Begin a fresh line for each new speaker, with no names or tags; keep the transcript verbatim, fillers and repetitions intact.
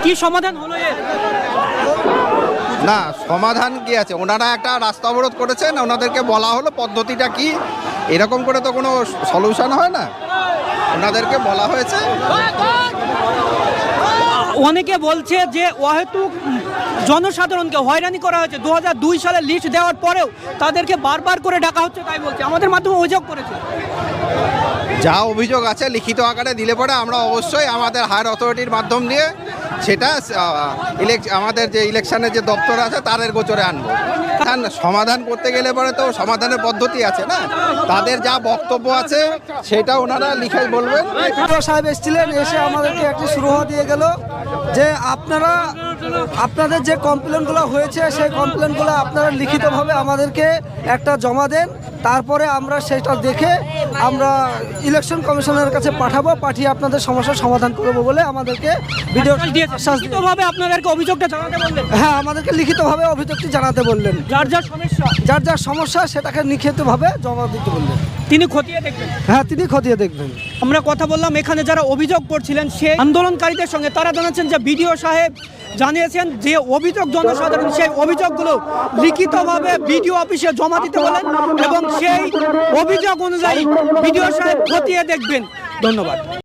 কি সমাধান হলো এর?
না, সমাধান কি আছে, ওনারা একটা রাস্তা অবরোধ করেছেন, ওনাদেরকে বলা হলো পদ্ধতিটা কি, এরকম করে তো কোনো সলিউশন হয় না, ওনাদেরকে বলা হয়েছে।
অনেকে বলছে যে অহেতুক জনসাধারণকে হয়রানি করা হয়েছে, দু হাজার দুই সালে লিস্ট দেওয়ার পরেও তাদেরকে বারবার করে ডাকা হচ্ছে, তাই বলছে, আমাদের মাধ্যমে অভিযোগ করেছে।
যা অভিযোগ আছে লিখিত আকারে দিলে পরে আমরা অবশ্যই আমাদের হায়ার অথরিটির মাধ্যম দিয়ে সেটা ইলেক- আমাদের যে ইলেকশনের যে দপ্তর আছে তাদের গোচরে আনবো। কারণ সমাধান করতে গেলে পরে তো সমাধানের পদ্ধতি আছে না, তাদের যা বক্তব্য আছে সেটা ওনারা লিখে বলবেন।
সাহেব এসেছিলেন, এসে আমাদেরকে একটি সুরাহা দিয়ে গেল যে আপনারা আপনাদের যে কমপ্লেনগুলো হয়েছে সেই কমপ্লেনগুলো আপনারা লিখিতভাবে আমাদেরকে একটা জমা দেন, তারপরে আমরা সেটা দেখে আমরা ইলেকশন কমিশনের কাছে পাঠাবো, পাঠিয়ে আপনাদের সমস্যার সমাধান করবো বলে আমাদেরকে ভিডিও আশ্বাস দিয়ে-
লিখিতভাবে আপনাদেরকে অভিযোগটা জানাতে বললেন,
হ্যাঁ আমাদেরকে লিখিতভাবে অভিযোগটি জানাতে বললেন,
যার যার সমস্যা
যার যার সমস্যা সেটাকে লিখিতভাবে জমা দিতে বললেন।
তিনি খতিয়ে দেখবেন।
হ্যাঁ তিনি খতিয়ে দেখবেন।
আমরা কথা বললাম এখানে যারা অভিযোগ করছিলেন সেই আন্দোলনকারীদের সঙ্গে, তারা জানাচ্ছেন যে বিডিও সাহেব জানিয়েছেন যে অভিযোগ জনসাধারণ সেই অভিযোগগুলো লিখিতভাবে বিডিও অফিসে জমা দিতে বলেন এবং সেই অভিযোগ অনুযায়ী বিডিও সাহেব খতিয়ে দেখবেন। ধন্যবাদ।